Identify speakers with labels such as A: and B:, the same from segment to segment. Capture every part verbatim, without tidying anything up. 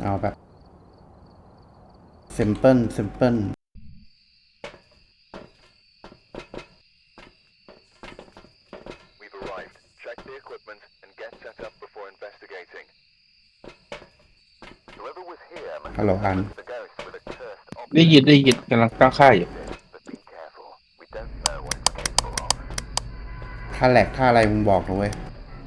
A: เอาแบบซิมเพิลซิมเพิล
B: We've arrived. Check the equipment and get set up before investigating. Whoever was here must
A: ฮัลโหล
B: have
A: อัน
B: summoned the ghost with a cursed
C: ได้
B: object.
C: ยินได้ยินกำลังตั้งค่ายอยู่
B: But be careful. We don't know what it's capable of.
A: ถ้าแหลกถ้าอะไรมึงบอกนะเว้ย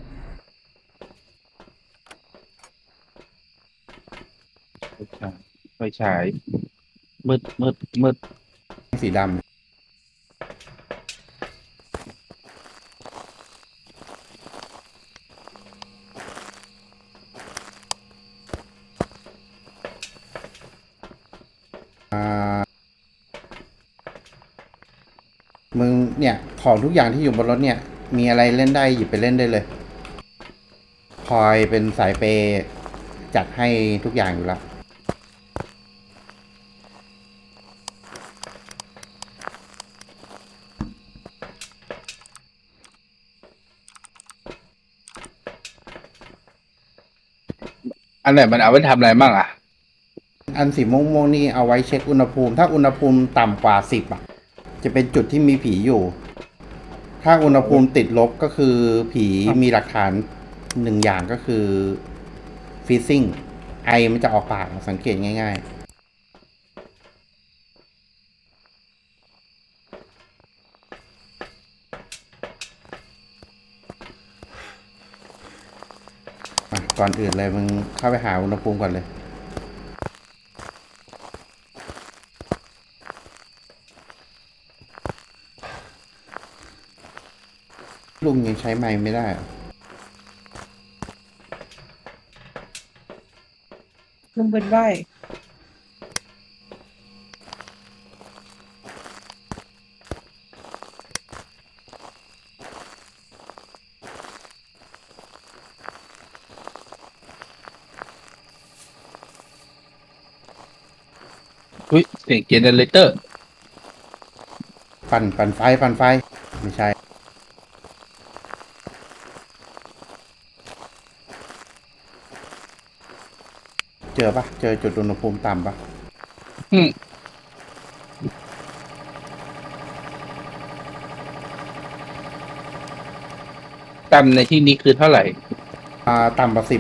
C: ไฟฉายมืดมืดมืด
A: สีดำอ่ามึงเนี่ย ของทุกอย่างที่อยู่บนรถเนี่ย มีอะไรเล่นได้หยิบไปเล่นได้เลยพลอยเป็นสายเปย์จัดให้ทุกอย่างอยู่แล้ว
C: อันไหนมันเอาไว้ทำอะไรบ้างอ่ะ
A: อันสีม่วงๆนี่เอาไว้เช็คอุณหภูมิ ถ้าอุณหภูมิต่ำกว่าสิบอ่ะ จะเป็นจุดที่มีผีอยู่ ถ้าอุณหภูมิติดลบก็คือผีมีหลักฐานหนึ่งอย่างก็คือฟีซิ่งไอมันจะออกปากสังเกตง่ายๆอ่ะก่อนอื่นเลยมึงเข้าไปหาอุณหภูมิก่อนเลย ลุงยังใช้ไม้ไม่ได้เหรอ
D: ลุงเป็นใบ้
C: อุ้ยเสียงเจเนเรเตอร์
A: ปั่นปั่นไฟปั่นไฟ ไม่ใช่ เจอปะเจอจุดอุณหภูมิต่ำปะ
C: อืมตันในที่นี้คือเท่าไหร่
A: อ่าต่ำกว่าสิบ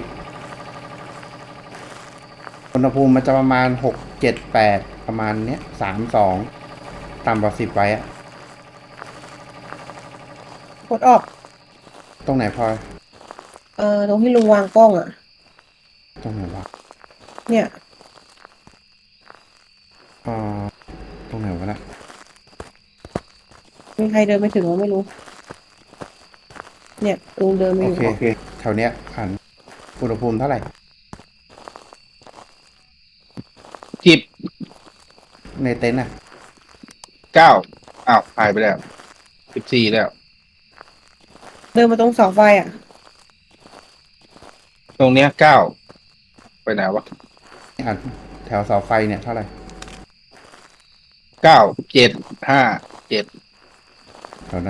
A: อุณหภูมิมันจะประมาณหกเจ็ดแปดประมาณเนี้ยสามสองต่ำกว่าสิบไว้อะ
D: กดออก
A: ตรงไหนพลอย
D: เอ่อตรงที่ลุงวางกล้องอ่ะ
A: ตรงไหนวะ
D: เนี่ย
A: อ่าตรงไหนวะนะ
D: มีใครเดินไปถึงเราไม่รู้ เนี่ยลุงเดินไป
A: โอ
D: อยู่
A: เคโอเคแถวเนี้ยอ่านอุณหภูมิเท่าไหร่
C: จิบ
A: ในเต็นท์อ่ะ
C: เก้าอ้าวหายไปแล้วสิบสี่แล้ว
D: เดินมาตรงเสาไฟอ่ะ
C: ตรงเนี้ยเก้าไปไหนวะ
A: อ่านแถวเสาไฟเนี่ยเท่าไหร่
C: เก้าเจ็ดห้าเจ็ด
A: แถวนั้น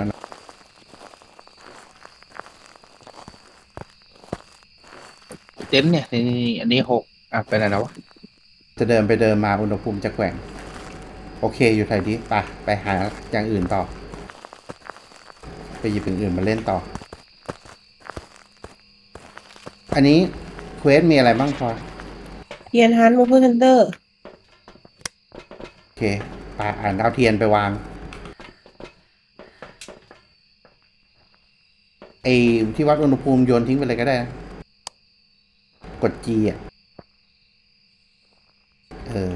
C: เต็นท์เนี่ยนี่นี่อันนี้หกอ่ะไปไหนแล้ววะ
A: จะเดินไปเดินมาอุณหภูมิจะแกว่ง โอเคอยู่ไทยดีไปไปหาอย่างอื่นต่อ ไปหยิบอย่างอื่นมาเล่นต่อ อันนี้เควสมีอะไรบ้างพลอย
D: เทียนฮันมูฟเฟอร์เซนเตอร์
A: โอเคไปอ่านเอาเทียนไปวางไอ้ที่วัดอุณหภูมิโยนทิ้งไปเลยก็ได้นะกด G อ่ะ เออ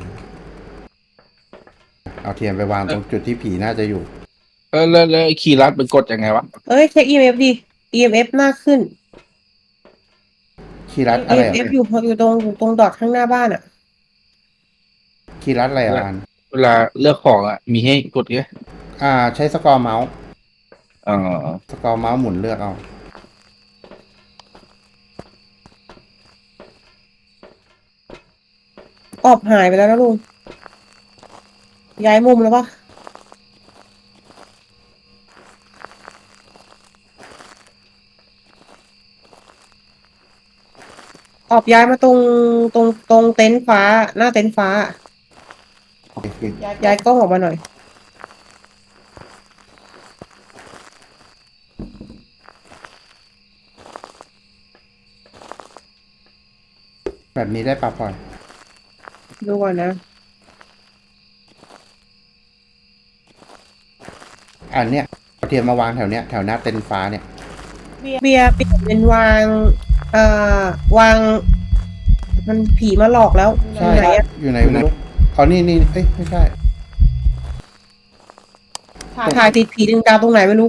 A: เอาเทียนไปวางตรงจุดที่ผีน่าจะอยู่
C: เออแล้วแล้วไอ้คีย์ลัดเป็นกดยังไงวะ
D: เอ้ยเช็ค อี เอ็ม เอฟ ดิ อี เอ็ม เอฟ หน้าขึ้น
A: คีย์รัดอะไรอ่ะ
D: อี เอ็ม เอฟ อยู่อยู่ตรงอยู่ตรงดอทข้างหน้าบ้านอ่ะ
A: คีย์รัดอะไรอ่ะอ่าน
C: เวลาเลือกของอ่ะ มีให้กดไง
A: อ่า ใช้สกอร์เมาส์
C: อ๋อ
A: สกอร์เมาส์หมุนเลือกเอา
D: ออบหายไปแล้วนะลุง ย้ายมุมแล้วปะอออกย้ายมาตรงตรงตรงเต็นท์ฟ้า หน้าเต็นท์ฟ้า
A: โอเค
D: ย้ายกล้องออกมาหน่อย
A: แบบนี้ได้ปะพลอย
D: ดูก่อนนะ
A: อันเนี้ยเอาเทียมมาวางแถวเนี้ยแถวหน้าเต็นท์ฟ้าเนี่ย
D: เบียร์เปลี่ยนเป็นวาง เอ่อ วาง มันผีมาหลอกแล้ว
A: ใช่
D: ไหนอะ
A: อยู่ไหนไม่รู้อ๋อนี่นี่เอ้ยไม่ใช่
D: ถ่ายติดผีดึงดาวตรงไหนไม่รู้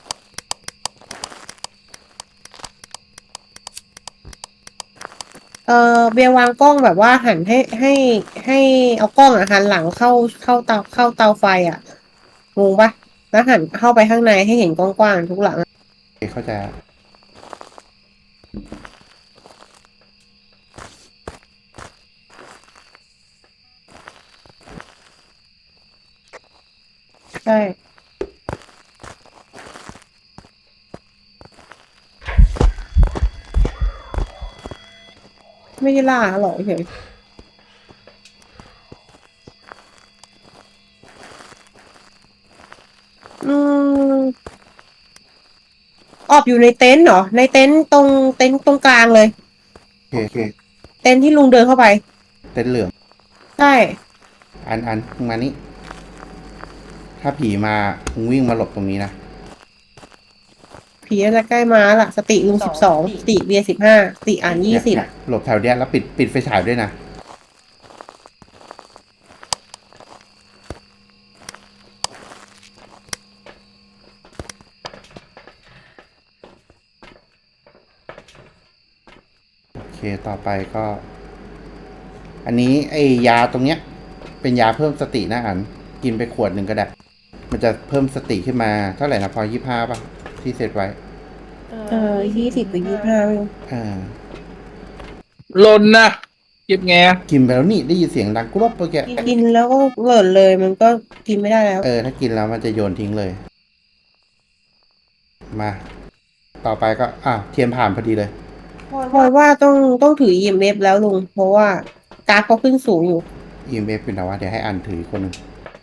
D: เออเบียร์วางกล้องแบบว่าหันให้ให้ให้เอากล้องอ่ะหันหลังเข้าเข้าเตาเข้าเตาไฟอ่ะงงปะแล้วหันเข้าไปข้างในให้เห็นกว้างๆทุกหลังอะ
A: โอเคเข้าใจละ
D: ใช่ไม่ได้ล่าหรอกเฉยอืมออบอยู่ในเต็นท์เหรอในเต็นท์ตรงเต็นท์ตรงกลางเลย
A: โอเคโอเค
D: เต็นท์ที่ลุงเดินเข้าไป
A: เต็นท์เหลือง
D: ใช่
A: อันอันมึงมานี่ถ้าผีมามึงวิ่งมาหลบตรงนี้นะ
D: ผีน่าจะใกล้มาละสติลุงสิบสองสติเบียร์สิบห้าสติอ่านยี่สิบ
A: เนี่ยหลบแถวเนี้ยแล้วปิดปิดไฟฉายด้วยนะโอเคต่อไปก็ อันนี้ไอ้ยาตรงเนี้ย เป็นยาเพิ่มสตินะอันกินไปขวดหนึ่งก็ได้ มันจะเพิ่มสติขึ้นมาเท่าไหร่นะพอยี่ห้าป่ะ ที่เซตไว้
D: เออยี่สิบหรือยี่ห้าไม่รู้
A: อ่า
C: ลนนะเก็บไงอะ
A: กินไปแล้วนี่ได้ยินเสียงดังกรอบเมื่อกี้
D: กินแล้วก็เหลินเลยมันก็กินไม่ได้แล้ว
A: เออ ถ้ากินแล้วมันจะโยนทิ้งเลย มา ต่อไปก็อ่ะเทียมผ่านพอดีเลย
D: พลอยว่าต้องต้องถือ อี เอ็ม เอฟ แล้วลุง เพราะว่ากราฟเขาขึ้นสูงอยู่
A: อี เอ็ม เอฟ เป็นแต่ว่าเดี๋ยวให้อันถืออีกคนหนึ่ง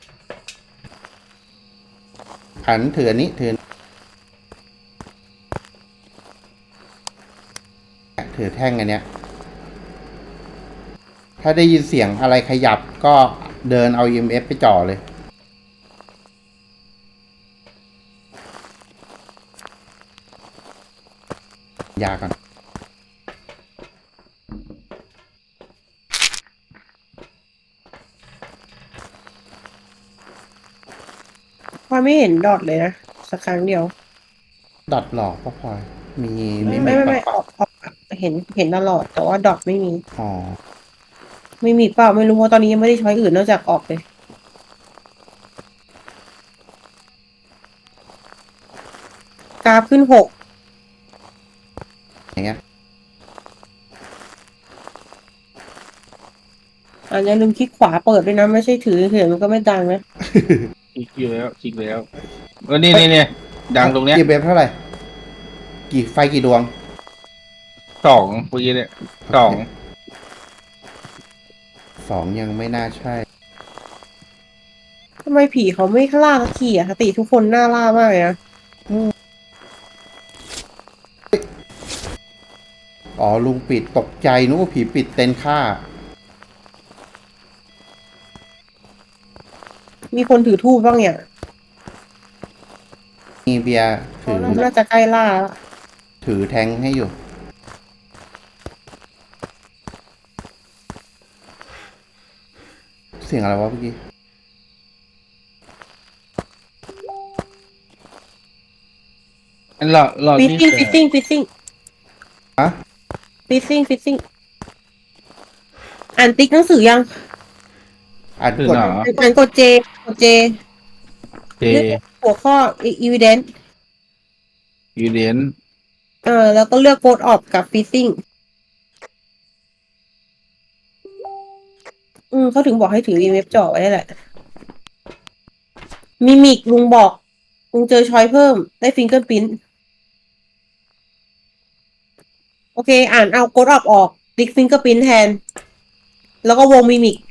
A: อันถืออันนี้ถือถือแท่งอันเนี้ย ถ้าได้ยินเสียงอะไรขยับก็เดินเอา อี เอ็ม เอฟ ไปจ่อเลย ยาก่อน
D: พลอยไม่เห็นดอทเลยนะ สักครั้งเดียว
A: ดอทหลอกพ่อพลอย มีมี
D: ไม่ไม่ไม่
A: ปะ
D: ออกออกเห็นเห็นตลอด แต่ว่าดอทไม่มี
A: อ๋อ
D: ไม่มีเปล่าไม่รู้เพราะตอนนี้ยังไม่ได้ช้อยอื่นนอกจากออกเลย กราฟขึ้นหก
A: อย่างเงี้ย
D: อันนี้ลืมคลิกขวาเปิดด้วยนะ ไม่ใช่ถือเฉยๆมันก็ไม่ดังนะ
C: คลิกอยู่แล้วคลิกแล้วเออนี่นี่นี่ดังตรงเนี้ย
A: อี เอ็ม เอฟ เท่าไหร่ กี่ไฟกี่ดวง
C: สองเมื่อกี้เนี่ยสอง
A: สองยังไม่น่าใช่
D: ทำไมผีเขาไม่ล่าสักทีอะสติทุกคนน่าล่ามากเลยนะ
A: อ๋อ ลุงปิดตกใจนึกว่าผีปิดเต็นท์ฆ่า
D: มีคนถือทูบบ้างเนี่ย
A: มีเบียร์ถือ
D: น่าจะใกล้ล่าแล้ว
A: ถือแทงให้อยู่ เสียงอะไรวะเมื่อกี้
C: อันเราเรา
D: ฟิซ
C: นี่
D: ซิ่งฟิซซิ่งฟิซซิ่ง
A: ฮะ
D: ฟิซซิ่งฟิซซิ่งอ่านติ๊กหนังสือยัง
A: อ่าน
C: คือก
A: ด
C: เหรอ
D: อ่านกดเจกดเจ
C: เจ
D: หัวข้อ evidence
C: ยูเดน
D: เออแล้วก็เลือกโ o ดออกกับ phishing อืมเขาถึงบอกให้ถือ อี เอ็ม เอฟ จ่อไว้นั่นแหละ มิมิกลุงบอก ลุงเจอช้อยเพิ่ม ได้ฟิงเกอร์พิ้นโอเค อ่านเอาโ o ดออกออกติ๊กฟิงเกอร์พิ้นแทน แล้วก็วงมิมิก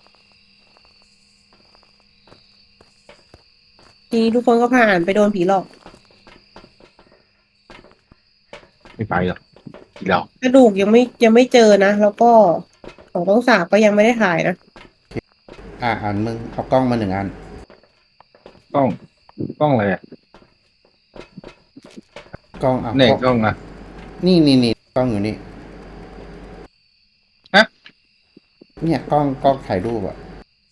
D: ทีนี้ทุกคนก็ผ่านไปโดนผีหลอก
C: ไม่ไปหรอกอีกแล้ว
D: กระดูกยังไม่ยังไม่เจอนะ แล้วก็ของต้องสาบก็ยังไม่ได้ถ่ายนะ
A: อ่ะอันมึงเอากล้องมาหนึ่งอัน
C: กล้องกล้องอะไรอ่ะ
A: กล้องเอา
C: เนี่ยกล้องอ่ะ
A: นี่นี่นี่กล้องอยู่นี่
C: ฮะ
A: เนี่ยกล้องกล้องถ่ายรูปอะ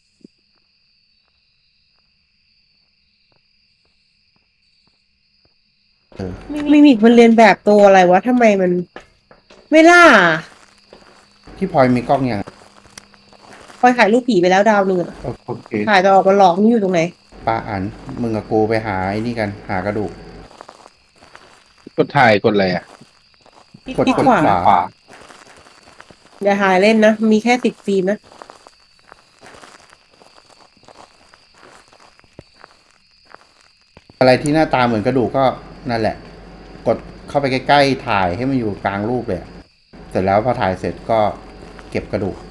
A: เออ
D: มิมิกมันเรียนแบบตัวอะไรวะทำไมมัน ไม่ล่า
A: ที่พลอยมีกล้องยัง
D: พอยถ่ายรูปผีไปแล้วดาวหนึ่งอะ
A: โอเค
D: ถ่ายแต่ออกมาหลอกนี่อยู่ตรงไหน
A: ปาอันมึงกับกูไปหาไอ้นี่กันหากระดูก
C: กดถ่ายกดอะไรอ่ะ
A: กด
D: ที่
A: กด
D: ขวา
A: ขวา
D: อย่าถ่ายเล่นนะ มีแค่สิบฟิล์มนะ
A: อะไรที่หน้าตาเหมือนกระดูกก็นั่นแหละ กดเข้าไปใกล้ๆถ่ายให้มันอยู่กลางรูปเลยอะเสร็จแล้วพอถ่ายเสร็จก็เก็บกระดูก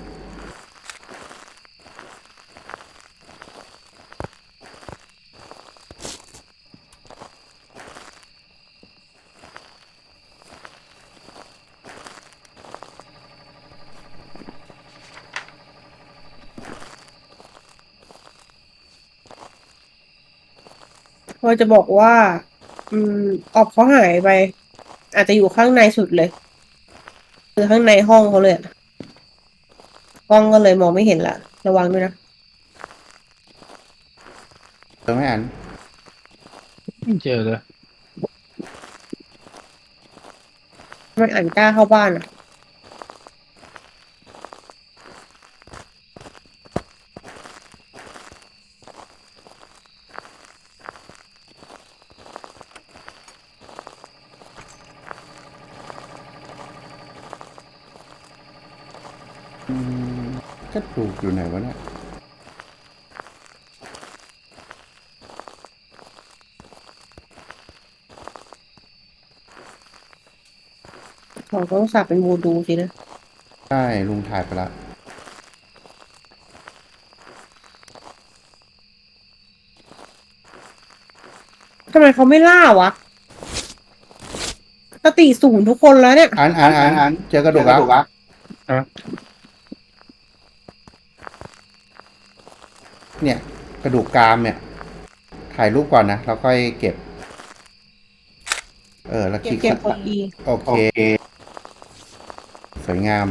D: พอจะบอกว่า อืมออบเขาหายไป อาจจะอยู่ข้างในสุดเลย คือข้างในห้องเขาเลยอะกล้องก็เลยมองไม่เห็นละ ระวังด้วยนะ
A: เจอไหมอัน
C: ไม่เจอเลย
D: ทำไมอ่านกล้าเข้าบ้านอ่ะ
A: อืมกระดูกอยู่ไหนวะเนี่ย
D: ของต้องสับเป็นวูดูสินะ
A: ใช่ลุงถ่ายไปละ
D: ทำไมเขาไม่ล่าวะสติศูนย์ทุกคนแล้วเนี่ย
A: อันอันอันอันเจอกระดูกแล้ว
C: ฮะ
A: เนี่ย กระดูกกรามเนี่ย ถ่ายรูปก่อนนะแล้วค่อยเก็บ เออ แล้วคลิก
D: เก็บคนดี
A: โอเค สวยงาม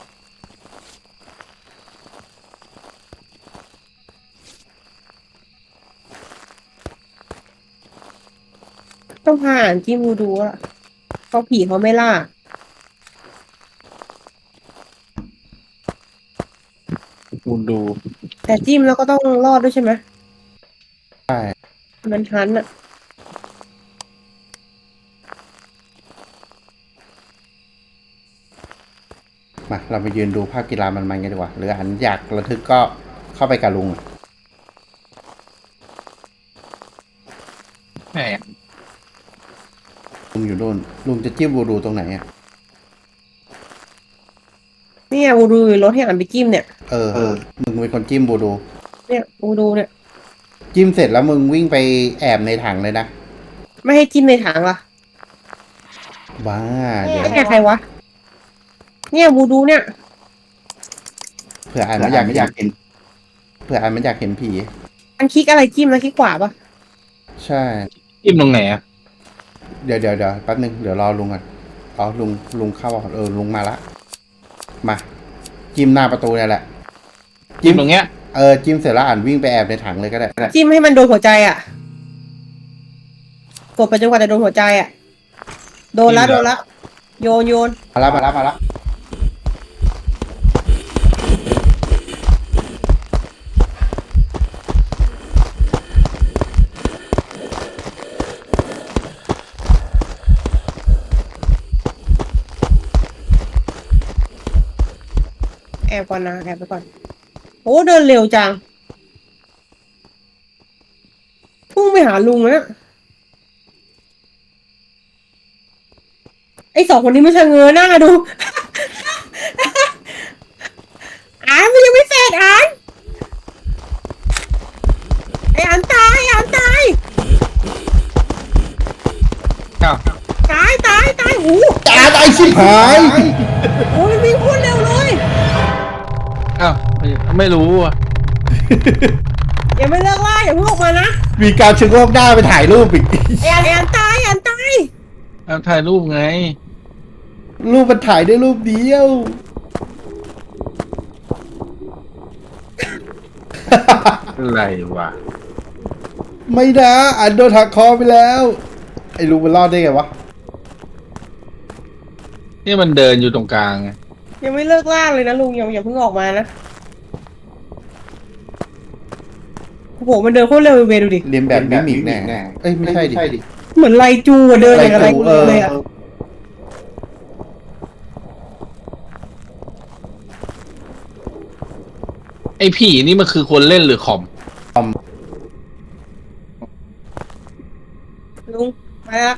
D: ต้องพาอ่านจิ้มวูดูอะเพราะผีเขาไม่ล่า
C: คุณดู
D: แต่จิ้มแล้วก็ต้องรอดด้วยใช่ไหม
A: ใช่
D: มันทันอะ
A: มาเราไปยืนดูภาพกีฬามันๆกันดีกว่า หรืออันอยากระทึกก็เข้าไปกับลุง
C: แหม
A: ลุงอยู่นู่น ลุงจะจิ้มบูดูตรงไหนอ่ะ
D: เนี่ยวูดูอยู่รถให้อ่านไปจิ้มเนี่ย
A: เออ มึงเป็นคนจิ้มบูดู
D: เนี่ยวูดูเนี่ย
A: จิ้มเสร็จแล้วมึงวิ่งไปแอบในถังเลยนะ
D: ไม่ให้จิ้มในถังล่ะ
A: บ้า เดี๋ยว
D: เนี่ยใครวะ เนี่ยวูดูเนี่ย
A: เผื่ออันไม่อยากอยากเห็น เผื่ออันไม่อยากเห็นผี
D: อันคลิกอะไรจิ้มนะคลิกขวาปะ
A: ใช่
C: จิ้มตรงไหนอ่ะ
A: เดี๋ยวเดี๋ยวเดี๋ยวแป๊บนึง เดี๋ยวรอลุงก่อนอ๋อ ลุง ลุงเข้าอ่ะเออ ลุงมาละ มา จิ้มหน้าประตูเนี่ยแหละ
C: จิ้มตรงเนี้ย
A: เออ จิ้มเสร็จแล้วอ่านวิ่งไปแอบในถังเลยก็ได้
D: จิ้มให้มันโดนหัวใจอ่ะ กดไปจนกว่าจะโดนหัวใจอ่ะ โดนละโดนละโยนโยน
A: มาละมาละมาละ
D: แอบก่อนนะแอบไปก่อน โอ้เดินเร็วจังพุ่งไปหาลุงแล้วเนี่ยไอสองคนนี้ไม่ชะเง้อหน้าดู
A: ไอ้ชิบหาย
D: โอ้ยวิ่งโคตรเร็วเลย
C: อ้าวไม่ไม่รู้อ่ะ
D: อย่าไม่เลิกล่าอย่าเพิ่งออกมานะ
A: มีการชะโงกหน้าไปถ่ายรูปอีก
D: แอนแอนตายแอนตาย
C: เอาถ่ายรูปไง
A: รูปมันถ่ายได้รูปเดียว
C: อะไรวะ
A: ไม่นะอันโดนหักคอไปแล้ว ไอ้ลุงมันรอดได้ไงวะ
C: นี่มันเดินอยู่ตรงกลางไง
D: ยังไม่เลิกล่าเลยนะลุงอย่าอย่าเพิ่งออกมานะโอ้โหมันเดินโคตรเร็วเวดูดิ
A: เรียนแบบมิมิกแน่เอ้ยไม่ใช่ดิ
D: เหมือนไลจูอะเดินอย่างไร
A: ไลจู
D: กูเลยอะ
A: เออ
C: ไอ้ผีนี่มันคือคนเล่นหรือคอม
D: ลุงมาละ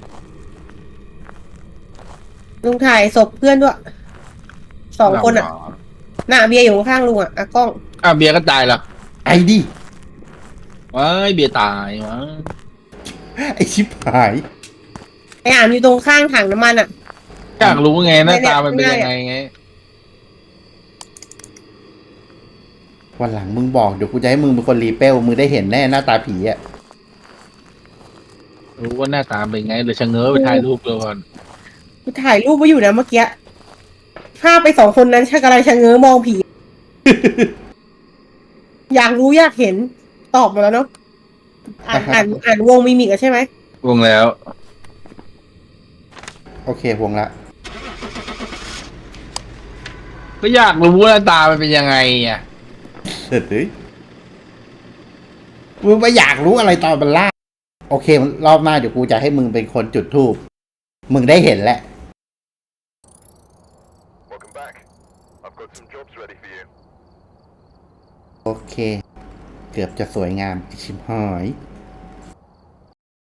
D: ลุงถ่ายศพเพื่อนด้วยสองคนอะหน้าเบียร์อยู่ข้างๆลุงอะอะกล้อง
C: อ่ะเบียร์ก็ตายละ
A: ไอ้ดิ
C: ว้ายเบียร์ตายวะ
A: ไอ้ชิบหาย
D: ไออ่านอยู่ตรงข้างถังน้ำมันอะ
C: อยากรู้ไงหน้า
D: ไม่ได้
C: ตามันเป็น
D: ไม่ได้
C: ยังไงไง
A: วันหลังมึงบอกเดี๋ยวกูจะให้มึงเป็นคนรีเปลมึงได้เห็นแน่หน้าตาผีอ่ะ
C: รู้ว่าหน้าตาเป็นไงเลยชะเง้อไปถ่ายรูปเลยก่อน
D: กูถ่ายรูปไว้อยู่นะเมื่อกี้ภาพไปสองคนนั้นชักอะไรชะเง้อมองผี อยากรู้อยากเห็นตอบมาแล้วเนาะอ่านอ่านอ่านวงมิมิกอะใช่ไหม
C: วงแล้ว
A: โอเควงละ
C: ก็อยากรู้ว่าหน้าตามันเป็นยังไงอ่ะ
A: เฮ้ยมึงไปอยากรู้อะไรตอนมันล่า โอเครอบหน้าเดี๋ยวกูจะให้มึงเป็นคนจุดธูปมึงได้เห็นแหละ
B: Welcome back. I've got some jobs ready for you.
A: โอเค เกือบจะสวยงามไอ้ชิบหาย